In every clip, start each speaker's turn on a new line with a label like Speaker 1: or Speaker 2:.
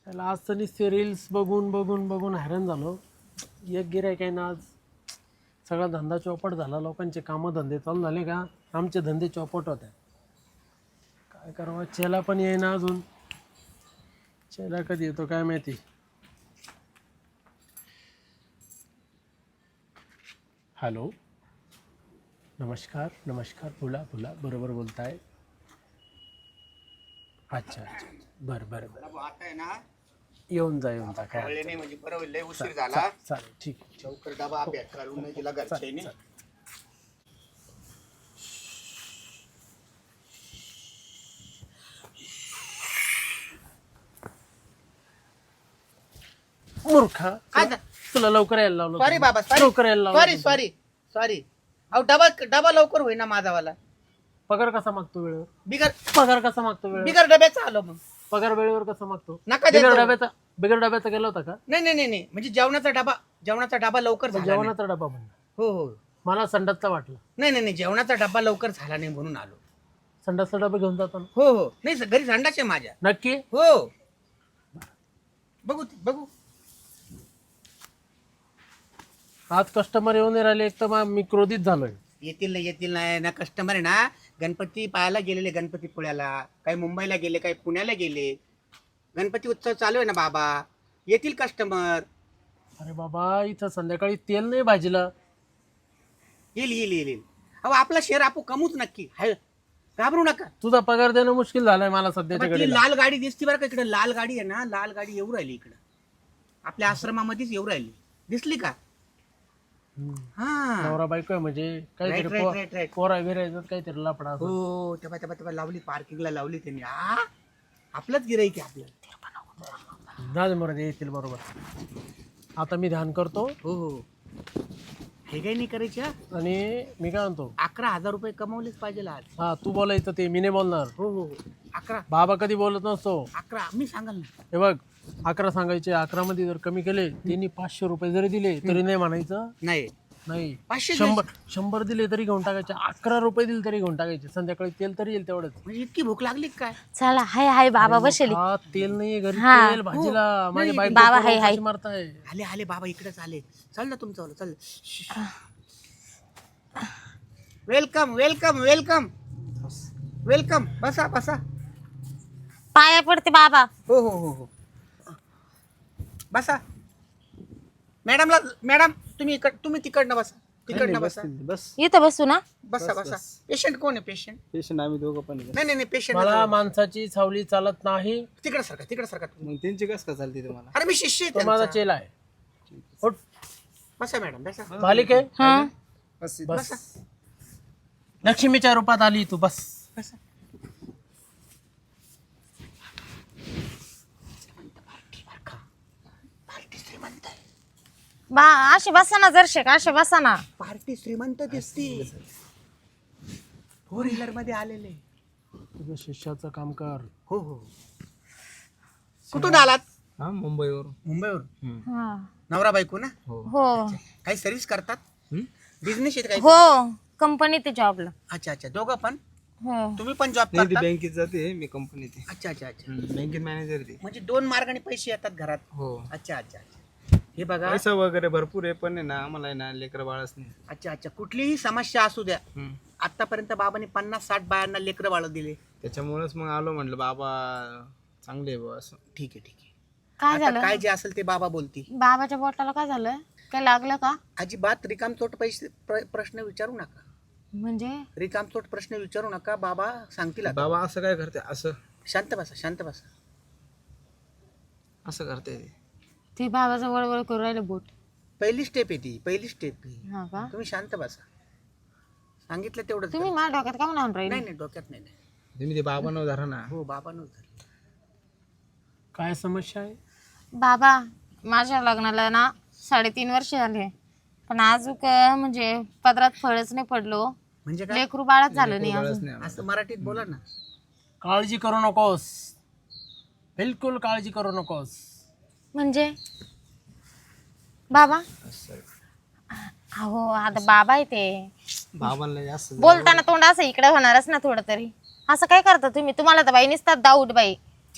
Speaker 1: त्याला आज तर नुसते रील्स बघून बघून बघून हैराण झालो. एक गिऱ्हाईक आहे ना आज, सगळा धंदा चौपट झाला. लोकांचे कामं धंदे चालू झाले का आमचे धंदे चौपट होत आहे. काय करावं, चेला पण येईना अजून. चेला कधी येतो काय माहिती. हॅलो, नमस्कार नमस्कार, बोला बोला, बरोबर बोलताय. अच्छा अच्छा, बरं बरं बरं,
Speaker 2: आता आहे ना
Speaker 1: येऊन जा येऊन जा, काय
Speaker 2: कळले
Speaker 1: हरकत
Speaker 2: नाही म्हणजे बरोबर लय उशीर
Speaker 1: नाही.
Speaker 2: झाला.
Speaker 1: चालेल, ठीक आहे.
Speaker 2: लवकर डबा पॅक करून नाही दिला घरच्यानी.
Speaker 1: मूर्खा,
Speaker 2: काय झालं?
Speaker 1: तुला लवकर यायला लावलं
Speaker 2: सॉरी
Speaker 1: होतं.
Speaker 2: बाबा,
Speaker 1: लवकर यायला लावलं
Speaker 2: सॉरी
Speaker 1: होतं.
Speaker 2: Sorry sorry. अहो डबा लवकर होईना माझावाला.
Speaker 1: पगार कसा मागतो वेळेवर?
Speaker 2: बिगर
Speaker 1: पगार कसा मागतो वेळेवर?
Speaker 2: बिगर डब्याचा आलो मग.
Speaker 1: पगार वेळेवर कसा मागतो?
Speaker 2: नका
Speaker 1: बिगर
Speaker 2: देतो.
Speaker 1: डब्याचा गेला होता का?
Speaker 2: नाही म्हणजे जेवणाचा डबा लवकर झाला नाही.
Speaker 1: जेवणाचा डबा म्हणला.
Speaker 2: हो हो.
Speaker 1: मला संडासचा वाटला.
Speaker 2: नाही जेवणाचा डबा लवकर झाला नाही म्हणून आलो.
Speaker 1: संडासचा डबा घेऊन जातो ना?
Speaker 2: हो हो. नाही घरी संडास आहे माझ्या.
Speaker 1: नक्की?
Speaker 2: हो. बघू.
Speaker 1: आज कस्टमर येऊन नाही राहिले. एक तर मी क्रोधित झालोय.
Speaker 2: येतील ना कस्टमर आहे ना. गणपती पाहायला गेलेले, गणपतीपुळ्याला, काही मुंबईला गेले, काही पुण्याला गेले. गणपती उत्सव चालू आहे ना बाबा, येतील कस्टमर.
Speaker 1: अरे बाबा, इथं संध्याकाळी तेल नाही भाजीला.
Speaker 2: येईल. अहो आपला शेअर आपू कमूच नक्की हाय, घाबरू नका.
Speaker 1: तुझा पगार देणं मुश्किल झालंय मला सध्याच्या
Speaker 2: ती
Speaker 1: घडीला.
Speaker 2: लाल गाडी दिसती बरं का इकडे. लाल गाडी आहे ना, लाल गाडी येऊ राहिली इकडं. आपल्या आश्रमामध्येच येऊ राहिली. दिसली का? हा.
Speaker 1: नवरा बायको आहे म्हणजे काहीतरी
Speaker 2: राईट.
Speaker 1: पोरा बिरायचं काहीतरी लफडा असेल.
Speaker 2: हो तेव्हा लावली, पार्किंगला लावली त्यांनी. आपलंच गिराईक आहे आपलं.
Speaker 1: नाजमध्ये येतील बरोबर. आता मी ध्यान करतो.
Speaker 2: हो. हे काही नाही करायचे.
Speaker 1: आणि मी काय म्हणतो,
Speaker 2: 11,000 रुपये कमवलेच पाहिजे आज.
Speaker 1: हा तू बोलायचं ते मी नाही बोलणार.
Speaker 2: हो 11
Speaker 1: बाबा कधी बोलत नसतो.
Speaker 2: मी सांगाल ना.
Speaker 1: हे बघ, 11 सांगायचे. 11 मध्ये जर कमी केले, त्यांनी 500 रुपये जरी दिले तरी नाही म्हणायचं. नाही
Speaker 2: 500
Speaker 1: 100 दिले तरी घेऊन टाकायचे. 11 रुपये दिले तरी घेऊन टाकायचे. संध्याकाळी तेल तरी येईल तेवढंच.
Speaker 2: म्हणजे इतकी भूक लागली काय?
Speaker 3: चला हाय बाबा बसले.
Speaker 1: हा तेल नाहीये घरी.
Speaker 3: हा.
Speaker 1: तेल भाजीला. माझी बायको
Speaker 3: बाबा,
Speaker 1: पोरं
Speaker 3: हाय.
Speaker 1: कशी मारताय.
Speaker 2: आले बाबा, इकडेच आले. चल ना तुमचं चल. वेलकम. बसा.
Speaker 3: पाया पडते बाबा.
Speaker 2: हो. बसा. मॅडम तुम्ही तिकडनं बसा.
Speaker 1: बस
Speaker 3: इथं बसू ना.
Speaker 2: बसा. पेशंट कोण आहे?
Speaker 4: पेशंट आम्ही दोघं पण आहे.
Speaker 2: नाही पेशंट
Speaker 1: मला माणसाची सावली चालत नाही.
Speaker 2: तिकडे सारखा.
Speaker 4: मग त्यांची कस का चालते तुम्हाला?
Speaker 2: अरे मी शिष्य आहे
Speaker 1: तो माझा
Speaker 2: त्यांचा.
Speaker 1: चेला आहे. उठ.
Speaker 2: बसा मॅडम बसा.
Speaker 1: मालिक आहे.
Speaker 3: हा
Speaker 1: बस. लक्ष्मीच्या रूपात आली तू. बस.
Speaker 3: बा असे बसा ना जरशे का असे बसा ना.
Speaker 2: पार्टी श्रीमंत दिसती. 4 व्हीलर मध्ये आलेले.
Speaker 1: तुझ्या शिष्याचं काम कर.
Speaker 2: हो. कुठून आलात?
Speaker 4: हा, मुंबईवरून.
Speaker 2: मुंबईवरून.
Speaker 3: हा.
Speaker 2: नवरा बायको ना?
Speaker 3: हो
Speaker 2: काही सर्व्हिस करतात? बिझनेस आहे काही?
Speaker 3: हो कंपनी ते जॉबला.
Speaker 2: अच्छा दोघं पण?
Speaker 3: हो
Speaker 2: तुम्ही पण जॉब
Speaker 4: नाही, ती
Speaker 2: करता?
Speaker 4: बँकेत जाते, मी कंपनीत आहे.
Speaker 2: अच्छा
Speaker 4: बँकेत मॅनेजर ते.
Speaker 2: म्हणजे 2 मार्गाने पैसे येतात घरात.
Speaker 4: हो.
Speaker 2: अच्छा हे बघा.
Speaker 4: पैसा वगैरे भरपूर आहे, पण आहे ना आम्हाला आहे ना लेकर बाळच नाही.
Speaker 2: अच्छा कुठलीही समस्या असू द्या. आतापर्यंत बाबांनी 50-60 बायांना लेकरं बाळ दिले.
Speaker 4: त्याच्यामुळेच मग आलो, म्हटलं बाबा चांगले आहे बुवा असं.
Speaker 2: ठीक आहे
Speaker 3: काय
Speaker 2: आता
Speaker 3: झालं
Speaker 2: काय जे असेल ते बाबा बोलतील.
Speaker 3: बाबाच्या बोटाला काय झालं? काय लागलं का?
Speaker 2: अजिबात रिकामचोट प्रश्न विचारू नका.
Speaker 3: म्हणजे
Speaker 2: रिकामचोट प्रश्न विचारू नका. बाबा सांगतील आता.
Speaker 4: बाबा असं काय करते? असं
Speaker 2: शांत बसा.
Speaker 4: असं करते ते.
Speaker 3: ते बाबाचा वळवळ करू राहिले बोट.
Speaker 2: पहिली स्टेप आहे ती.
Speaker 3: हा का?
Speaker 2: तुम्ही शांत बसा. सांगितलं तेवढं.
Speaker 3: तुम्ही माझ्या डोक्यात का म्हणून राहिले?
Speaker 2: नाही डोक्यात नाही.
Speaker 4: तुम्ही ते बाबा न धरा ना.
Speaker 2: हो बाबा नव्हतं.
Speaker 1: काय समस्या आहे?
Speaker 3: बाबा माझ्या लग्नाला ना 3.5 वर्ष झाले, पण अजून म्हणजे पदरात फळच नाही पडलो.
Speaker 2: म्हणजे काय?
Speaker 3: लेकरू बाळच झालं नाही
Speaker 4: बाळच
Speaker 3: अजून.
Speaker 4: नाही आम्हाला.
Speaker 2: असं मराठीत बोला ना.
Speaker 1: काळजी करू नकोस. बिलकुल काळजी करू नकोस.
Speaker 3: म्हणजे बाबा
Speaker 4: असं.
Speaker 3: हो आता बाबा आहे ते.
Speaker 4: बाबांना जास्त
Speaker 3: बोलताना तोंड असं इकडे होणारच ना थोडं तरी. असं काय करता तुम्ही? तुम्हाला तर बाई निसतात दाऊड बाई.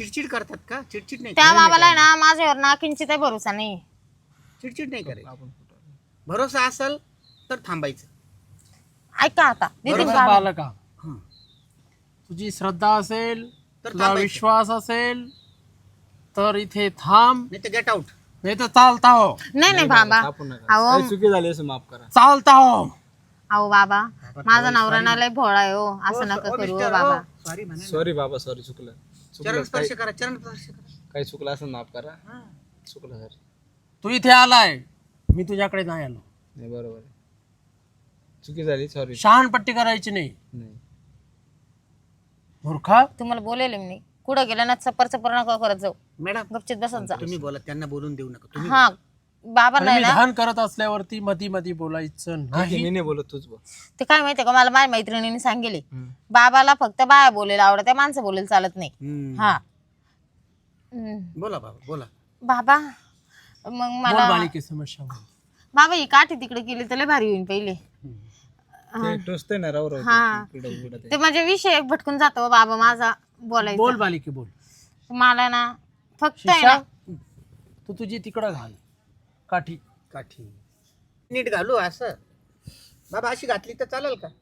Speaker 2: चिडचिड करतात का? चिडचिड नाही
Speaker 3: त्या बाबाला आहे ना माझ्यावर ना किंचित भरोसा नाही.
Speaker 2: चिडचिड नाही करायची. भरोसा असेल तर थांबायचं.
Speaker 3: ऐका आता देतील
Speaker 1: बरोबर
Speaker 3: काढून.
Speaker 1: बालका,
Speaker 2: हं.
Speaker 1: तुझी श्रद्धा असेल,
Speaker 2: तर
Speaker 1: तुझा
Speaker 2: थांबायचं.
Speaker 1: विश्वास असेल तर इथे थांब,
Speaker 2: नाही तर गेट आउट.
Speaker 1: नाही तर चालता हो,
Speaker 3: नाही नाही बाबा.
Speaker 4: कापू नका.
Speaker 3: अहो
Speaker 4: काही चुकी झाली असं माफ करा.
Speaker 1: चालता हो.
Speaker 3: अहो बाबा माझा नवरा ना लय भोळा आहे हो. असं नका करू हो बाबा.
Speaker 2: सॉरी म्हणा.
Speaker 4: सॉरी बाबा, सॉरी, चुकलं.
Speaker 2: चरण स्पर्श करा, चरण स्पर्श करा.
Speaker 4: काही चुकलं असं माफ करा. चुकलं सर.
Speaker 1: तू इथे आलाय, मी तुझ्याकडे नाही आलो.
Speaker 4: नाही बरोबर आहे. चुकी झाली, सॉरी.
Speaker 1: शहाणपट्टी करायची नाही
Speaker 4: नाही
Speaker 1: मूर्खा.
Speaker 3: तुम्हाला बोलेले मी कुठं गेलं ना चपर चपर नका करत जाऊ.
Speaker 2: मॅडम
Speaker 3: गपचित बसत जा.
Speaker 2: तुम्ही बोला, त्यांना बोलून देऊ नका तुम्ही.
Speaker 3: हा बाबाला आहे
Speaker 1: मी
Speaker 3: ना
Speaker 1: ध्यान करत असल्यावरती मधी मधी बोलायचं
Speaker 4: ठीक
Speaker 1: नाही.
Speaker 4: आहे, मी नाही बोलत, तूच बोल.
Speaker 3: ते काय माहितीये का मला माझ्या मैत्रिणीने सांगितले बाबाला फक्त बाया बोलायला आवडत आहे, माणसं बोलायला चालत नाही.
Speaker 2: हम्म.
Speaker 3: हा
Speaker 2: बोला बाबा बोला.
Speaker 3: बाबा मग
Speaker 1: बोल
Speaker 3: मला
Speaker 1: बालिके समस्या बोल.
Speaker 3: बाबा ही काठी तिकडे केली तर लय भारी होईल पहिले.
Speaker 4: ते टोचतंय ना राव राव.
Speaker 3: हा.
Speaker 4: इकडं उघडं ते.
Speaker 3: ते म्हणजे विषय भटकून जातो बाबा माझा बोलायचा.
Speaker 1: बोल बालिके बोल.
Speaker 3: मला ना फक्त आहे
Speaker 1: शिशा,
Speaker 3: ना
Speaker 1: तू तुझी तिकडं घाल काठी.
Speaker 2: काठी नीट घालू असं. बाबा अशी घातली तर चालेल का?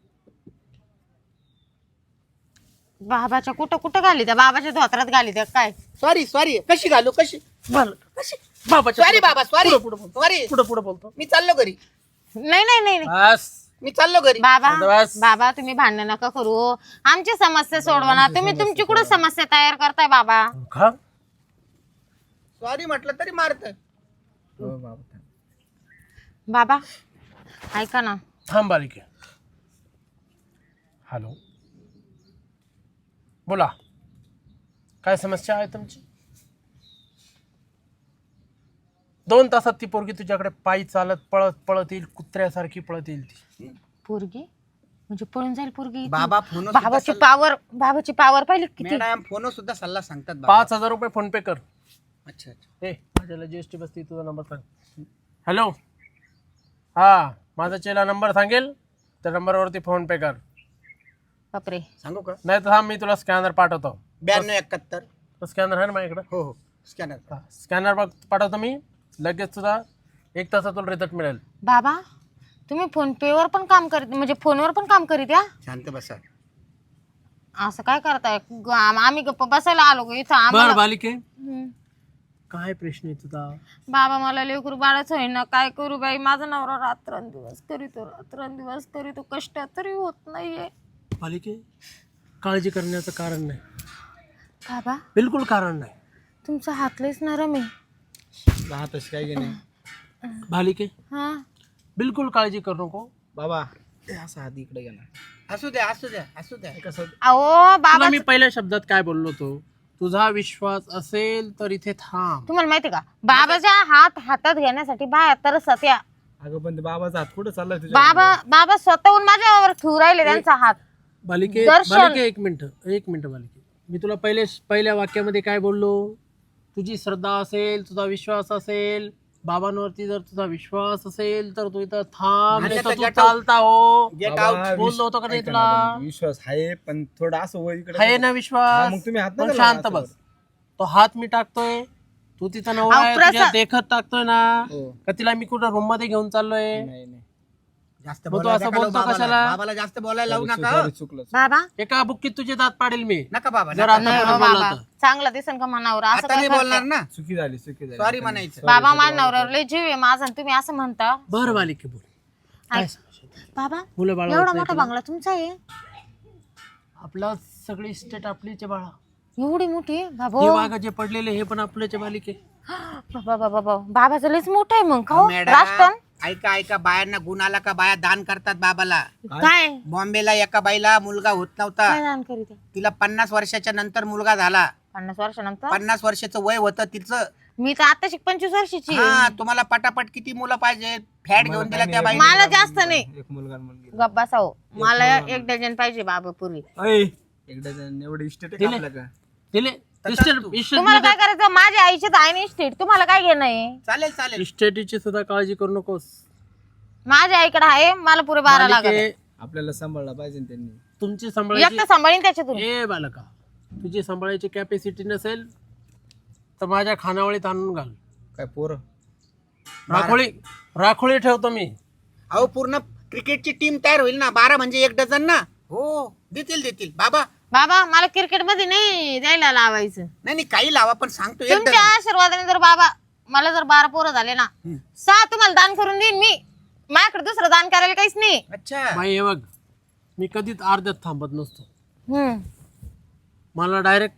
Speaker 3: बाबाच्या कुठं कुठं घाली त्या बाबाच्या धोत्रात घाली त्या काय.
Speaker 2: Sorry sorry. कशी घालू? कशी? कशी?
Speaker 1: बाबाच्या
Speaker 2: सॉरी बाबा, सॉरी
Speaker 1: पुढं
Speaker 2: सॉरी.
Speaker 1: पुढे पुढे बोलतो.
Speaker 2: मी चाललो घरी.
Speaker 3: नाही नाही नाही नाही.
Speaker 1: बस
Speaker 2: मी चाललो घरी.
Speaker 3: बाबा
Speaker 1: बस.
Speaker 3: बाबा तुम्ही भांडण नका करू हो. आमची समस्या सोडवा ना. तुम्ही तुमची कुठं समस्या तयार करताय बाबा.
Speaker 1: मूर्खा.
Speaker 2: सॉरी म्हटलं तरी मारत.
Speaker 4: हो बाबा.
Speaker 3: बाबा ऐका ना.
Speaker 1: थांब बालिके. हॅलो बोला, काय समस्या आहे तुमची? 2 तासात ती पोरगी तुझ्याकडे पायी चालत पळत पळत येईल, कुत्र्यासारखी पळत येईल ती.
Speaker 3: पोरगी म्हणजे पळून जाईल पोरगी.
Speaker 2: बाबा फोन
Speaker 3: बाबाची पावर पाहिली किती.
Speaker 2: मॅडम फोन सुद्धा सल्ला सांगतात बाबा.
Speaker 1: 5,000 रुपये फोन पे कर.
Speaker 2: अच्छा अच्छा.
Speaker 1: ए माझ्याला जीएसटी बसती, तुझा नंबर सांग. हॅलो, हा माझा चेला नंबर सांगेल त्या नंबरवरती फोन पे कर.
Speaker 3: बापरे.
Speaker 2: सांगू का?
Speaker 1: नाही तर थांब, मी तुला स्कॅनर पाठवतो.
Speaker 2: 9271.
Speaker 1: स्कॅनर आहे ना माझ्याकडे.
Speaker 2: हो हो स्कॅनर.
Speaker 1: स्कॅनर पाठवतो मी लगेच. तुझा 1 तासात तुला रिझल्ट मिळेल.
Speaker 3: बाबा तुम्ही फोन पे वर पण काम करीत म्हणजे फोनवर पण काम करीत या.
Speaker 2: शांत बसा.
Speaker 3: असं काय करताय? आम्ही गप्प बसायला आलो का इथं
Speaker 1: बर
Speaker 3: आम्हाला.
Speaker 1: बालिके,
Speaker 3: हम्म.
Speaker 1: काय प्रश्न आहे तुझा?
Speaker 3: बाबा मला लेकरू बाळच होईना, काय करू बाई. माझा नवरा रात्रंदिवस करीतो कष्ट तरी होत नाहीये.
Speaker 1: बालिके, काळजी करण्याचं कारण नाही,
Speaker 3: बाबा
Speaker 1: बिलकुल कारण नाही.
Speaker 3: तुमचा हात लयच नरम आहे.
Speaker 4: राहतच काय की नाही.
Speaker 1: बालिके,
Speaker 3: हा
Speaker 1: बिलकुल काळजी करू नको.
Speaker 4: बाबा ते असं हात इकडे घ्या ना.
Speaker 2: असू द्या असू द्या असू द्या.
Speaker 4: कसं
Speaker 3: अहो बाबा
Speaker 1: तुला मी पहिल्या शब्दात काय बोललो होतो? तुझा विश्वास असेल तर इथे थांब.
Speaker 3: तुम्हाला माहिती का बाबाच्या हातात घेण्यासाठी बाया तरसत या.
Speaker 4: अगं पण ते बाबाचा हात कुठं चाललाय तुझ्या?
Speaker 3: बाबा स्वतःहून माझ्यावर ठेवू राहिले त्यांचा हात.
Speaker 1: बालिके
Speaker 3: दर्शन.
Speaker 1: बालिके एक मिनिट बालिके, मी तुला पहिल्या वाक्यामध्ये काय बोललो? तुझी श्रद्धा असेल, तुझा विश्वास असेल, बाबांवरती जर तुझा विश्वास असेल तर तू इथं थांब,
Speaker 2: आणि
Speaker 1: नाही तर
Speaker 2: आता
Speaker 1: तू
Speaker 2: get out.
Speaker 1: चालता हो.
Speaker 2: गेट
Speaker 4: बाबा,
Speaker 2: आउट.
Speaker 1: बोललो होतो का नाही
Speaker 4: ऐका
Speaker 1: तुला?
Speaker 4: ना, विश्वास आहे पण थोडं असं वय इकडे.
Speaker 1: आहे ना विश्वास?
Speaker 4: हा, मग तुम्ही हात
Speaker 1: पण
Speaker 4: नका
Speaker 1: शांत
Speaker 4: लावा
Speaker 1: बस. तो हात मी टाकतोय, तू तिथं नवरा
Speaker 3: अहो,
Speaker 1: आहे,
Speaker 3: प्रसाद.
Speaker 1: तुझ्या देखत टाकतोय ना.
Speaker 4: हो.
Speaker 1: का तिला मी कुठं रूम मध्ये घेऊन चाललोय?
Speaker 4: नाही नाही.
Speaker 2: जास्त
Speaker 1: मग तू
Speaker 2: बोलायला
Speaker 1: असं
Speaker 2: नका लावू
Speaker 1: बोलतो
Speaker 2: बाबाला.
Speaker 1: कशाला?
Speaker 2: बाबाला जास्त बोलायला लावू नका.
Speaker 4: सॉरी, चुकलं.
Speaker 3: बाबा
Speaker 1: एका बुक्कीत तुझे दात पाडेल मी.
Speaker 2: नका बाबा
Speaker 1: जर
Speaker 2: नका.
Speaker 1: आता
Speaker 3: नाही
Speaker 1: परत
Speaker 3: हो
Speaker 1: बोलला
Speaker 3: बाबा
Speaker 1: तर.
Speaker 3: चांगलं दिसन का मनावर असं
Speaker 2: आता
Speaker 3: काय
Speaker 2: नाही बोलणार
Speaker 3: करताय?
Speaker 2: ना.
Speaker 4: चुकी झाली.
Speaker 2: सॉरी म्हणायचं.
Speaker 3: बाबा माझ्या नवऱ्यावर लय जीव आहे माझा आणि तुम्ही असं म्हणता.
Speaker 1: बरं बालिके बोल. काय समस्या?
Speaker 3: बाबा
Speaker 1: मुलं बाळ
Speaker 3: एवढा मोठा बंगला तुमचा आहे?
Speaker 1: आपला सगळी स्टेट आपलीचे बाळा.
Speaker 3: एवढी मोठी बाबा.
Speaker 1: हे वाघ जे पडलेले हे पण आपल्याचे बालिके.
Speaker 3: बाबा बाबाचं लयच मोठं आहे मग का हो?
Speaker 2: मॅडम
Speaker 3: राष्ट्रन
Speaker 2: ऐका ऐका. बायांना गुण आला का बाया दान करतात बाबाला.
Speaker 3: काय
Speaker 2: बॉम्बेला एका बाईला मुलगा होत नव्हता.
Speaker 3: काय दान करीत आहे?
Speaker 2: तिला 50 वर्षाच्या नंतर मुलगा झाला.
Speaker 3: 50 वर्षानंतर
Speaker 2: 50 वर्षाचं वय होतं तिचं.
Speaker 3: मी तर आता 25 वर्षाची आहे.
Speaker 2: हा तुम्हाला पटापट किती मुलं पाहिजे? फॅट घेऊन दिला त्या बाईने.
Speaker 3: मला जास्त नाही.
Speaker 4: एक मुलगा आणि मुलगी.
Speaker 3: गप्पा साहो मला 1 डझन पाहिजे बाबा पूर्वी.
Speaker 4: एकदा एवढे इस्टेट
Speaker 1: दिले.
Speaker 4: आपल्या का?
Speaker 1: दिले.
Speaker 3: तुम्हाला काय करायचं? माझ्या आईचे तर आहे ना इस्टेट. तुम्हाला काय घेणं आहे?
Speaker 2: चालेल चालेल.
Speaker 1: इस्टेटीची सुद्धा काळजी करू नकोस.
Speaker 3: माझ्या आईकडे आहे मला पुरे 12 लागत.
Speaker 1: बालिके,
Speaker 4: आपल्याला सांभाळला पाहिजे ना त्यांनी.
Speaker 1: तुमची सांभाळायची.
Speaker 3: एकटं सांभाळीन त्याच्यातून.
Speaker 1: ए बालका, तुझी सांभाळायची कॅपॅसिटी नसेल तर माझ्या खानावळीत आणून घाल.
Speaker 4: काय पोरं
Speaker 1: राखोळी ठेवतो मी.
Speaker 2: अहो पूर्ण क्रिकेटची टीम तयार होईल ना, 12 म्हणजे 1 डझन ना. हो देतील बाबा.
Speaker 3: बाबा मला क्रिकेट मध्ये नाही द्यायला लावायचं.
Speaker 2: नाही काही लावा, पण सांगतो 1
Speaker 3: तुमच्या
Speaker 2: डझन.
Speaker 3: आशीर्वादाने जर बाबा मला जर 12 पोरं झाले ना, 6 तुम्हाला दान करून देईन मी. माझ्याकडे दुसरं दान करायला काहीच नाही.
Speaker 2: अच्छा
Speaker 1: बाई हे बघ, मी कधीच अर्ध्यात थांबत नसतो.
Speaker 3: हम्म.
Speaker 1: मला डायरेक्ट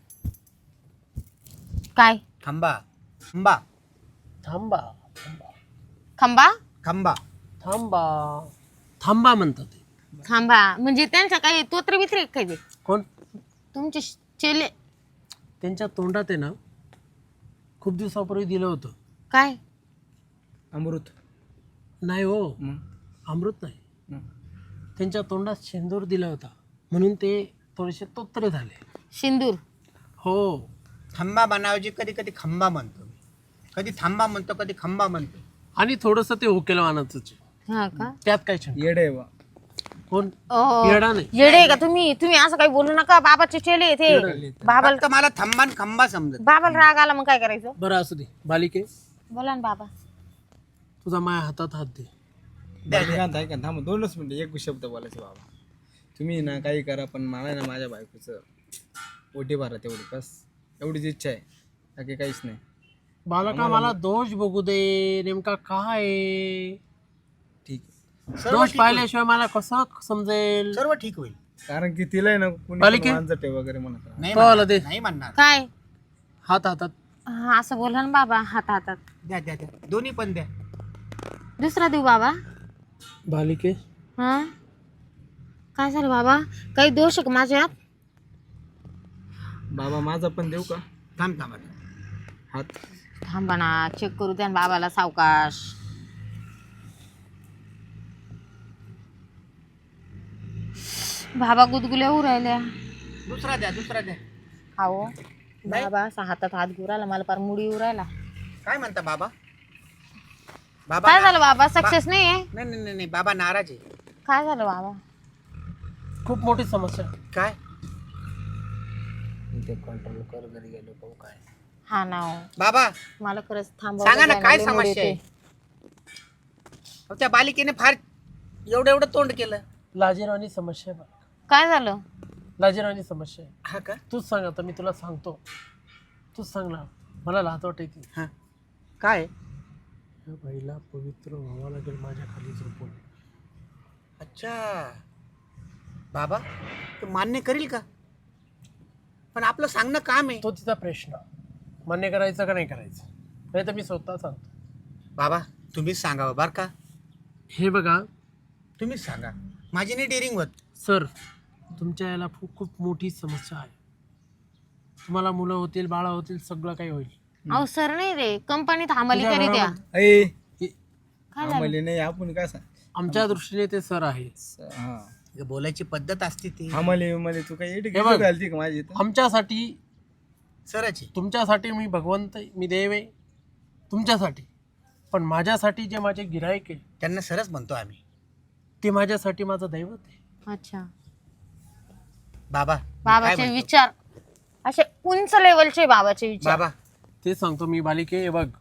Speaker 3: काय
Speaker 2: खंबा खंबा
Speaker 1: थांबा
Speaker 3: खंबा
Speaker 2: खंबा
Speaker 1: थांबा थांबा म्हणतात ते.
Speaker 3: खांबा म्हणजे त्यांच्या काही तोत्र बित्रे काय ते
Speaker 1: कोण?
Speaker 3: तुमचे चेले.
Speaker 1: त्यांच्या तोंडात आहे ना खूप दिवसापूर्वी दिलं होतं.
Speaker 3: काय
Speaker 4: अमृत.
Speaker 1: नाही हो,
Speaker 4: मग
Speaker 1: अमृत नाही.
Speaker 4: मग.
Speaker 1: त्यांच्या तोंडात शेंदूर दिला होता म्हणून ते थोडेसे तोत्रे झाले.
Speaker 3: सिंदूर.
Speaker 1: हो.
Speaker 2: खंबा बनावजी कधी कधी खंबा म्हणतो मी, कधी थांबा म्हणतो, कधी खंबा म्हणतो.
Speaker 1: आणि थोडंसं ते हुकेल वानाचं
Speaker 3: हा का
Speaker 1: त्यात काय शंका?
Speaker 4: येड आहे बा.
Speaker 1: कोण?
Speaker 3: ओ,
Speaker 1: येडा नाही.
Speaker 3: येडे का तुम्ही असं काही बोलू नका. बाबाचे चेले ते बाबाला
Speaker 2: फक्त मला थांबा आणि खंबा समजत.
Speaker 3: बाबाला राग आला मग काय करायचं?
Speaker 1: बरं असू दे बालिके,
Speaker 3: बोला ना बाबा.
Speaker 1: तुझा माझ्या हातात हात दे.
Speaker 4: ऐका थांबा 2च मिनिटं, एक शब्द बोलायचं बाबा. तुम्ही ना काही करा, पण मला ना माझ्या बायकोचं ओटी भरा तेवढी, बस एवढीच इच्छा आहे, बाकी काहीच नाही.
Speaker 1: बालका मला दोष बघू दे, नेमका काय आहे?
Speaker 4: ठीक आहे.
Speaker 2: सर्व
Speaker 1: दोष
Speaker 2: ठीक
Speaker 1: पाहिल्याशिवाय मला कसं समजेल?
Speaker 2: सर्व ठीक होईल.
Speaker 4: कारण की तिला आहे ना
Speaker 1: बालिके?
Speaker 4: कुणी मांजटे वगैरे म्हणत राहतं.
Speaker 2: नाही
Speaker 1: तो आला
Speaker 2: म्हणणार,
Speaker 1: दे.
Speaker 2: नाही म्हणणार.
Speaker 3: काय
Speaker 1: हात हातात.
Speaker 3: हा असं बोला ना बाबा. हातात
Speaker 2: द्या द्या द्या, दोन्ही पण द्या.
Speaker 3: दुसरा देऊ बाबा.
Speaker 1: बालिके,
Speaker 3: हा काय झालं बाबा? काही दोष आहे का माझ्यात?
Speaker 4: बाबा माझा पण देऊ का
Speaker 2: थांब थांबा.
Speaker 4: हात?
Speaker 3: थांबा ना, चेक करू द्या ना बाबाला सावकाश. बाबा गुदगुल्या होऊ राहिल्या.
Speaker 2: दुसरा द्या.
Speaker 3: हो बाबा असा हातात हात घेऊ राहिला, मला पार मुडी येऊ राहिला.
Speaker 2: काय म्हणता बाबा? बाबा
Speaker 3: काय झालं बाबा? सक्सेस नाही आहे?
Speaker 2: नाही बाबा नाराज आहे.
Speaker 3: काय झालं बाबा?
Speaker 1: खूप मोठी समस्या.
Speaker 2: काय?
Speaker 1: इथे कंट्रोल कर, घरी गेलो पाहू काय.
Speaker 3: हा ना हो.
Speaker 2: बाबा
Speaker 3: मला खरंच थांबा.
Speaker 2: सांगा ना काय समस्या आहे? अहो, त्या बालिकेने फार एवढं तोंड केलं.
Speaker 1: लाजिरवाणी समस्या आहे बा.
Speaker 3: काय झालं?
Speaker 1: लाजिरवाणी समस्या आहे.
Speaker 2: हा का?
Speaker 1: तूच सांग, आता मी तुला सांगतो. तूच सांग ना, मला लाज वाटायची.
Speaker 2: हा काय?
Speaker 1: या बाईला पवित्र व्हावं लागेल माझ्या खाली झोपून.
Speaker 2: अच्छा बाबा तू मान्य करील का? पण आपलं सांगणं काम आहे.
Speaker 1: तो तिचा प्रश्न, मान्य करायचं का नाही करायचं, नाही तर मी स्वतः सांगतो.
Speaker 2: बाबा तुम्हीच सांगावं बरं का.
Speaker 1: हे बघा
Speaker 2: तुम्हीच सांगा, माझी नाही डेअरिंग होत.
Speaker 1: सर, तुमच्या याला खूप मोठी समस्या आहे. तुम्हाला मुलं होतील, बाळा होतील, सगळं काही होईल.
Speaker 3: अहो सर नाही रे, कंपनीत हमाली करी द्या.
Speaker 4: ऐ
Speaker 3: काय झालं?
Speaker 4: आम्हाला नाही, आपण काय सांग.
Speaker 1: आमच्या दृष्टीने ते सर आहे.
Speaker 4: हा
Speaker 2: बोलायची पद्धत असते ती
Speaker 4: आम्हाला तू काही एडी
Speaker 1: हे बघ.
Speaker 4: घालती का माझी इथं?
Speaker 1: आमच्यासाठी,
Speaker 2: सराची.
Speaker 1: तुमच्यासाठी मी भगवंत, मी देव आहे तुमच्यासाठी. पण माझ्यासाठी जे माझे गिराईक आहे
Speaker 2: त्यांना सरच म्हणतो आम्ही.
Speaker 1: ते माझ्यासाठी माझं दैवत आहे.
Speaker 3: अच्छा.
Speaker 2: बाबा मी काय
Speaker 3: बाबाचे
Speaker 2: म्हणतो?
Speaker 3: विचार असे उंच लेवलचे बाबाचे विचार.
Speaker 2: बाबा
Speaker 1: ते सांगतो मी. बालिके हे बघ,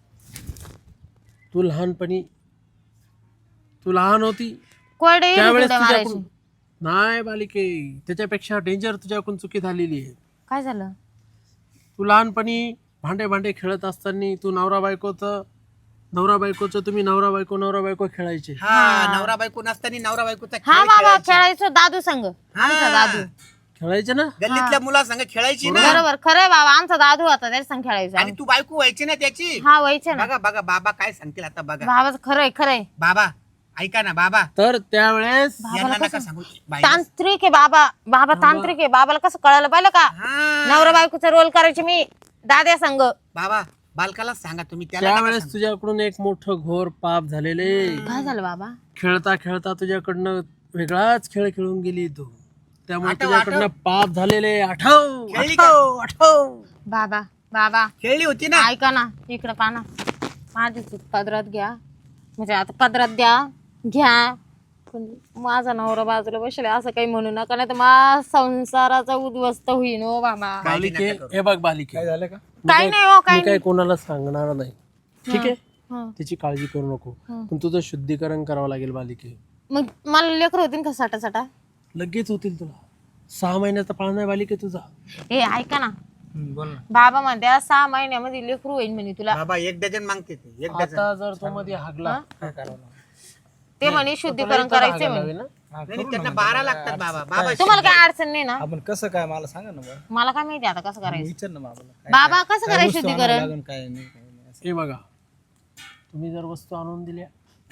Speaker 1: तू लहानपणी, तू लहान होती
Speaker 3: कोरडे येईल
Speaker 1: त्यावेळेस
Speaker 3: कुरडे मारायचे.
Speaker 1: तुझ्याकडून, नाही बालिके, त्याच्यापेक्षा डेंजर तुझ्याकडून चुकी झालेली आहे.
Speaker 3: काय झालं?
Speaker 1: तू लहानपणी भांडे खेळत असताना तू नवरा बायकोचं तुम्ही नवरा बायको खेळायचे.
Speaker 2: हा नवरा बायको नसताना नवरा बायकोचा
Speaker 3: हा
Speaker 2: खेळ
Speaker 3: बाबा
Speaker 2: खेळायची.
Speaker 3: खेळायचो दादू संघ. आमचा दादू.
Speaker 1: खेळायचे ना.
Speaker 2: गल्लीतल्या मुलासंग खेळायची ना.
Speaker 3: बरोबर, खरंय बाबा, आमचा दादू होता त्याच्या संग खेळायचा.
Speaker 2: आणि तू बायको व्हायची ना त्याची.
Speaker 3: हा व्हायचे ना.
Speaker 2: बघा बाबा काय सांगतील आता बघा.
Speaker 3: बाबाच खरंय.
Speaker 2: बाबा ऐका ना बाबा,
Speaker 1: तर त्यावेळेस
Speaker 2: यांना नका सांगू. बाईला-
Speaker 3: तांत्रिक आहे बाबा तांत्रिक आहे. बाबाला कसं कळालं पाहिलं का?
Speaker 2: हा.
Speaker 3: नवरा बायकोचा रोल करायचे मी दाद्या संघ.
Speaker 2: बाबा बालकाला सांगा तुम्ही, त्याला नका
Speaker 1: त्यावेळेस
Speaker 2: सांगू.
Speaker 1: तुझ्याकडून एक मोठं घोर पाप झालेले.
Speaker 3: काय झालं बाबा?
Speaker 1: खेळता तुझ्याकडनं वेगळाच खेळ खेळून गेली तू, त्यामुळे
Speaker 2: आठव,
Speaker 1: तुझ्याकडनं पाप झालेले. आठव
Speaker 2: खेळली का?
Speaker 1: आठव.
Speaker 3: बाबा
Speaker 2: खेळली होती ना.
Speaker 3: ऐका ना, इकडं पाना. माझी चूक पदरात घ्या, म्हणजे आता पदरात द्या, घ्या. पण माझा नवरा बाजूला बसले असं काही म्हणू नका, नाही तर माझा संसाराचा उद्ध्वस्त होईन हो बाबा.
Speaker 1: बालिके हे बघ बालिके,
Speaker 4: काय झालं का?
Speaker 3: काही नाही हो, काही
Speaker 1: मी काय कोणाला सांगणार नाही, ठीक आहे?
Speaker 3: हं.
Speaker 1: त्याची काळजी करू नको, पण तुझं शुद्धीकरण करावं लागेल बालिके.
Speaker 3: मग मला लेकर होतील का साटा
Speaker 1: लगेच होतील तुला. 6 महिन्याचा पाळणा आहे बालिके तुझा.
Speaker 3: ए ऐका ना,
Speaker 4: बोल ना.
Speaker 3: बाबा म्हणते 6 महिन्यामध्ये लेकरू होईल म्हणे तुला.
Speaker 2: बाबा 1 डझन मागते ते, 1 डझन.
Speaker 1: आता जर तो मध्ये हागला
Speaker 4: काय करावं लागलं?
Speaker 3: ते म्हणे शुद्धीकरण करायचंय म्हणे.
Speaker 1: ना
Speaker 4: हा,
Speaker 2: नाही, त्यांना 12 लागतात बाबा. बाबा
Speaker 3: तुम्हाला काय अडचण नाही ना?
Speaker 4: आपण कसं काय मला सांगा ना बरं.
Speaker 3: मला काय माहिती आता कसं करायचं.
Speaker 4: विचार ना बाबाला.
Speaker 3: बाबा कसं करायचं शुद्धीकरण?
Speaker 4: लागून काय नाही काय नाही असं.
Speaker 1: हे बघा, तुम्ही जर वस्तू आणून दिल्या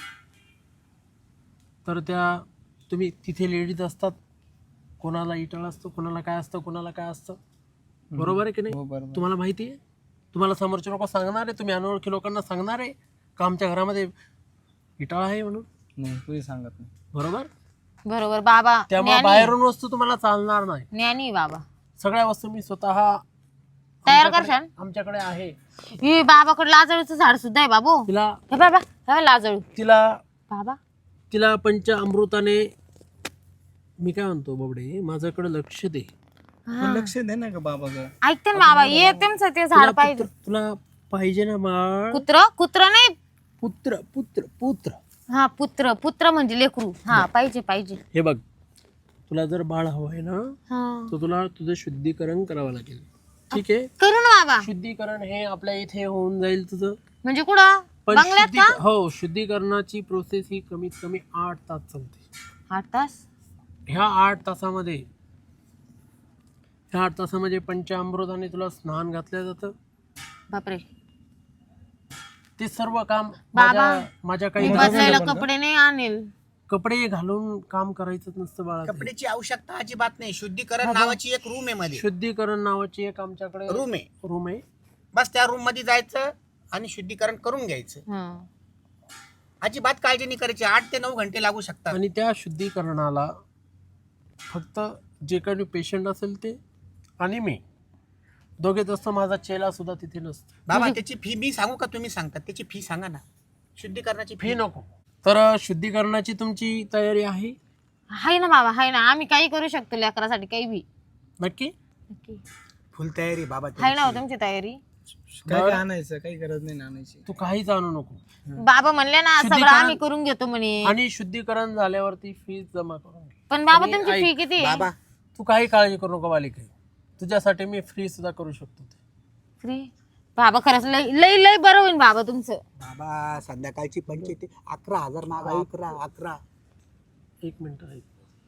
Speaker 1: तर त्या तुम्ही तिथे लेडीज असतात, कोणाला इटळ असतं, कोणाला काय असतं, कोणाला काय असतं, बरोबर आहे की
Speaker 4: हो,
Speaker 1: नाही?
Speaker 4: बरोबर.
Speaker 1: तुम्हाला माहिती आहे, तुम्हाला समोरचे लोक सांगणार आहे, तुम्ही अनोळखी लोकांना सांगणार आहे का आमच्या घरामध्ये इटाळ आहे म्हणून,
Speaker 4: नाही तुझी सांगत नाही.
Speaker 1: बरोबर?
Speaker 3: बरोबर बाबा.
Speaker 1: त्यामुळे बाहेरून वस्तू तुम्हाला चालणार नाही.
Speaker 3: ज्ञानी बाबा.
Speaker 1: सगळ्या वस्तू मी स्वतः
Speaker 3: तयार करशाल?
Speaker 1: आमच्याकडे आहे.
Speaker 3: ही बाबाकडे लाजळूचं झाड सुद्धा आहे बाबू.
Speaker 1: तिला
Speaker 3: हे बाबा, हे लाजळू
Speaker 1: तिला
Speaker 3: बाबा.
Speaker 1: पंच अमृताने, मी काय म्हणतो बाबडे, माझ्याकडे लक्ष दे.
Speaker 4: पण लक्ष दे ना का बाबा गं.
Speaker 3: ऐकते ना बाबा, ये तुमचं ते झाड पाहिजे.
Speaker 1: तुला पाहिजे ना बाळ?
Speaker 3: कुत्र नाही.
Speaker 1: पुत्र पुत्र पुत्र
Speaker 3: हा पुत्र म्हणजे लेकरू. हा पाहिजे.
Speaker 1: हे बघ, तुला जर बाळ हवं आहे ना,
Speaker 3: हा
Speaker 1: तर तुला तुझं शुद्धीकरण करावं लागेल, ठीक आहे?
Speaker 3: करू ना बाबा.
Speaker 1: शुद्धीकरण हे आपल्या इथे होऊन जाईल तुझं.
Speaker 3: म्हणजे कुठं
Speaker 1: पण
Speaker 3: बंगल्यात का?
Speaker 1: हो, शुद्धीकरणाची प्रोसेस ही कमीत कमी 8 तास चालते.
Speaker 3: 8 तास.
Speaker 1: ह्या 8 तासामध्ये पंचामृताने तुला स्नान घातलं जातं.
Speaker 3: बापरे
Speaker 1: ते सर्व काम
Speaker 3: बाबा,
Speaker 1: माझ्या
Speaker 3: मी
Speaker 1: काही
Speaker 3: बदलायला कपडे नाही आणेल.
Speaker 1: कपडे घालून काम करायचं नसतं बाळा. ते.
Speaker 2: कपड्याची आवश्यकता अजिबात नाही. शुद्धीकरण नावाची एक रूम आहे मध्ये,
Speaker 1: शुद्धीकरण नावाची एक आमच्याकडे
Speaker 2: रूम आहे.
Speaker 1: रूम आहे.
Speaker 2: बस त्या रूम मध्ये जायचं आणि शुद्धीकरण करून घ्यायचं.
Speaker 3: हं.
Speaker 2: अजिबात काळजी नाही करायची. 8 ते 9 घंटे लागू शकतात.
Speaker 1: आणि त्या शुद्धीकरणाला फक्त जे काही पेशंट असेल ते आणि मी दोघेच असतो. माझा चेला सुद्धा तिथे नसतो.
Speaker 2: बाबा त्याची फी मी सांगू का तुम्ही सांगतात? त्याची फी सांगा ना, शुद्धीकरणाची
Speaker 1: फी नको. तर शुद्धीकरणाची तुमची तयारी आहे
Speaker 3: हाय ना बाबा, हाय ना. आम्ही काही करू शकतो लेकरासाठी, काही बी.
Speaker 1: नक्की?
Speaker 3: नक्की.
Speaker 2: फुल तयारी बाबा
Speaker 3: हाय ना हो तुमची तयारी.
Speaker 4: काय आणायचं काही गरज नाही ना आणायची.
Speaker 1: तू काहीच आणू नको.
Speaker 3: बाबा म्हणले ना सगळं आम्ही करून घेतो म्हणे.
Speaker 1: आणि शुद्धीकरण झाल्यावरती फीस जमा करून घे.
Speaker 3: पण बाबा
Speaker 1: आणि
Speaker 3: तुमची
Speaker 1: ऐक,
Speaker 3: फी किती आहे?
Speaker 2: बाबा
Speaker 1: तू काही काळजी करू नको बालिके, तुझ्यासाठी मी फ्री सुद्धा करू शकतो ते.
Speaker 3: फ्री? बाबा खरंच लय बरं होईल बाबा तुमचं.
Speaker 2: बाबा संध्याकाळची पंचायती 11,000 मागा. 11
Speaker 1: एक मिनिट ऐक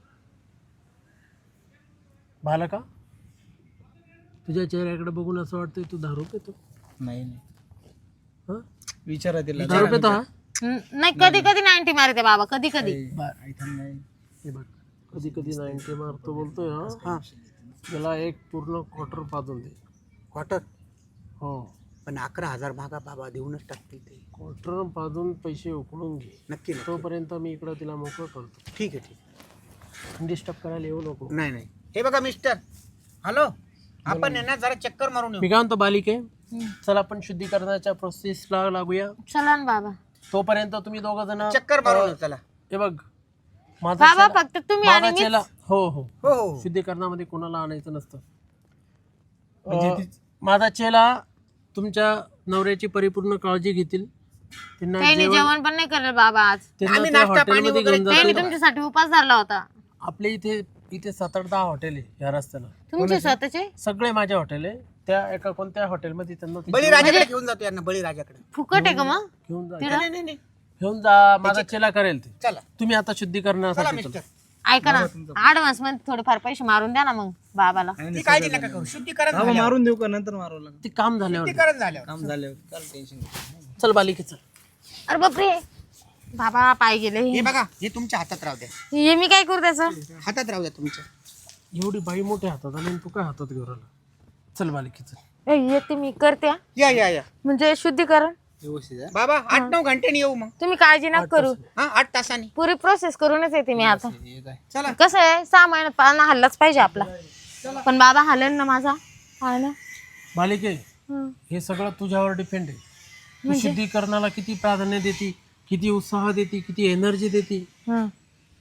Speaker 1: बालका, तुझ्या चेहऱ्याकडे बघून असं वाटतंय तू दारू पितो.
Speaker 4: नाही
Speaker 1: हं?
Speaker 4: विचारा तिला.
Speaker 1: दारू पितो हा?
Speaker 3: नाही कधी 90 मारते बाबा, कधी.
Speaker 4: नाही.
Speaker 1: हे बघ, कधी 90 मारतो बोलतोय हा. त्याला एक पूर्ण क्वार्टर पाजून दे.
Speaker 2: क्वार्टर.
Speaker 1: हो,
Speaker 2: पण 11,000 मागा बाबा, देऊनच टाकतील ते.
Speaker 1: क्वार्टर पाजून पैसे उकळून घे.
Speaker 2: नक्की नक्की.
Speaker 1: तोपर्यंत मी इकडं तिला मोकळं करतो.
Speaker 2: ठीक आहे.
Speaker 1: डिस्टर्ब करायला येऊ नको.
Speaker 2: नाही. हे बघा मिस्टर, हॅलो, आपण आहे ना जरा चक्कर मारून
Speaker 1: मी
Speaker 2: येऊ.
Speaker 1: काय म्हणतो बालिके, चल आपण शुद्धीकरणाच्या प्रोसेसला लागूया.
Speaker 3: चला ना बाबा.
Speaker 1: तोपर्यंत तुम्ही दोघ जण
Speaker 2: चक्कर मारून येऊ चला.
Speaker 1: हे बघ, माझा
Speaker 3: बाबा
Speaker 1: चेला-
Speaker 3: फक्त तुम्ही आणि
Speaker 1: माझा
Speaker 3: मी.
Speaker 1: चेला हो हो
Speaker 2: हो.
Speaker 1: शुद्धीकरणामध्ये कोणाला आणायचं नसतं.
Speaker 4: म्हणजे
Speaker 1: माझा चेला तुमच्या नवऱ्याची परिपूर्ण काळजी घेतील. त्यांना
Speaker 3: काही नाही, जेवण पण नाही करेल बाबा आज.
Speaker 1: त्यांना
Speaker 2: आम्ही
Speaker 1: त्या
Speaker 2: नाश्ता पाणी
Speaker 1: हॉटेलमध्ये
Speaker 2: वगैरे
Speaker 1: घेऊन
Speaker 3: त्यांनी
Speaker 1: जातील.
Speaker 3: तुमच्यासाठी उपास धरला होता.
Speaker 1: आपल्या इथे 7-8 हॉटेल आहे या रस्त्याला.
Speaker 3: तुमचे स्वतःचे
Speaker 1: सगळे माझे हॉटेल आहे. त्या एका कोणत्या हॉटेलमध्ये त्यांना ते
Speaker 2: बळीराजाकडे घेऊन जातो यांना, बळीराजाकडे.
Speaker 3: फुकट आहे का मग?
Speaker 1: घेऊन जा.
Speaker 2: नाही.
Speaker 1: घेऊन जा, माझा चेला करेल ते.
Speaker 2: चला
Speaker 1: तुम्ही आता
Speaker 2: चला
Speaker 1: शुद्धीकरणासाठी
Speaker 2: मिस्टर.
Speaker 1: चला.
Speaker 3: ऐका ना, ऍडव्हान्स मध्ये थोडेफार पैसे मारून द्या ना मग बाबाला.
Speaker 2: ती काळजी नका करू. शुद्धीकरण
Speaker 4: बाबा
Speaker 2: झाल्यावर.
Speaker 4: मारून देऊ का नंतर मारावं लागेल.
Speaker 1: ते काम झाल्यावर
Speaker 2: शुद्धीकरण झाल्यावर.
Speaker 4: काम झाल्यावर काय टेन्शन घेऊ.
Speaker 1: चल बालिके चल.
Speaker 3: अरे बापरे बाबा पाय गेले.
Speaker 2: हे बघा, हे तुमच्या हातात राहू द्या.
Speaker 3: हे मी काय करू त्याचं?
Speaker 2: हातात राहू द्या तुमच्या.
Speaker 1: एवढी बाई मोठ्या हातात आणि तू काय हातात घेऊन राहिला. चल बालिके चल.
Speaker 3: येते मी, करते हा.
Speaker 2: या.
Speaker 3: म्हणजे शुद्धीकरण
Speaker 4: व्यवस्थित आहे.
Speaker 2: बाबा 8-9 घंटे येऊ मग.
Speaker 3: तुम्ही काळजी नका करू.
Speaker 2: हा 8 तासांनी.
Speaker 3: पुरी प्रोसेस करूनच येते मी आता.
Speaker 4: येत आहे.
Speaker 2: चला
Speaker 3: कसं आहे 6 महिन्यात पाळणा हल्लाच पाहिजे आपला. पण बाबा हलेल ना माझा पाळणा.
Speaker 1: बालिके,
Speaker 3: हं.
Speaker 1: हे सगळं तुझ्यावर डिपेंड आहे. तू शुद्धीकरणाला किती प्राधान्य देते, किती उत्साह देते, किती एनर्जी देते.
Speaker 3: हं.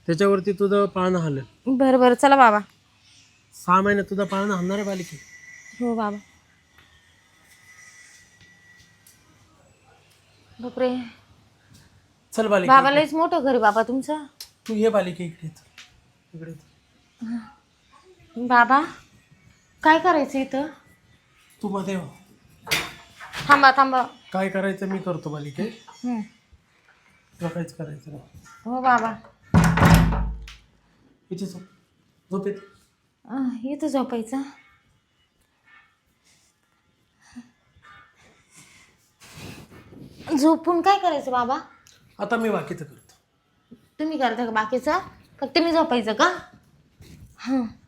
Speaker 1: त्याच्यावरती तुझं पाळणं हलेल.
Speaker 3: बरं बरं चला बाबा.
Speaker 1: 6 महिन्यात तुझं पाळणं हलणार आहे बालिके.
Speaker 3: हो बाबा. बापरे
Speaker 1: चल बालिके,
Speaker 3: बाबा लयच मोठं घर आहे बाबा तुमचं.
Speaker 1: तू ये बालिके इकडे चल. इकडे चल.
Speaker 3: बाबा काय करायचं इथं?
Speaker 1: तू मध्ये हो.
Speaker 3: थांबा थांबा.
Speaker 1: काय करायचं मी करतो बालिके,
Speaker 3: हं.
Speaker 1: तुला काहीच करायचं नाही.
Speaker 3: हो बाबा.
Speaker 1: इथे झोप येते.
Speaker 3: इथं झोपायचं. झोपून काय करायचं बाबा?
Speaker 1: आता मी बाकीचं करतो.
Speaker 3: तुम्ही करता का बाकीचं? फक्त मी झोपायचं का? हां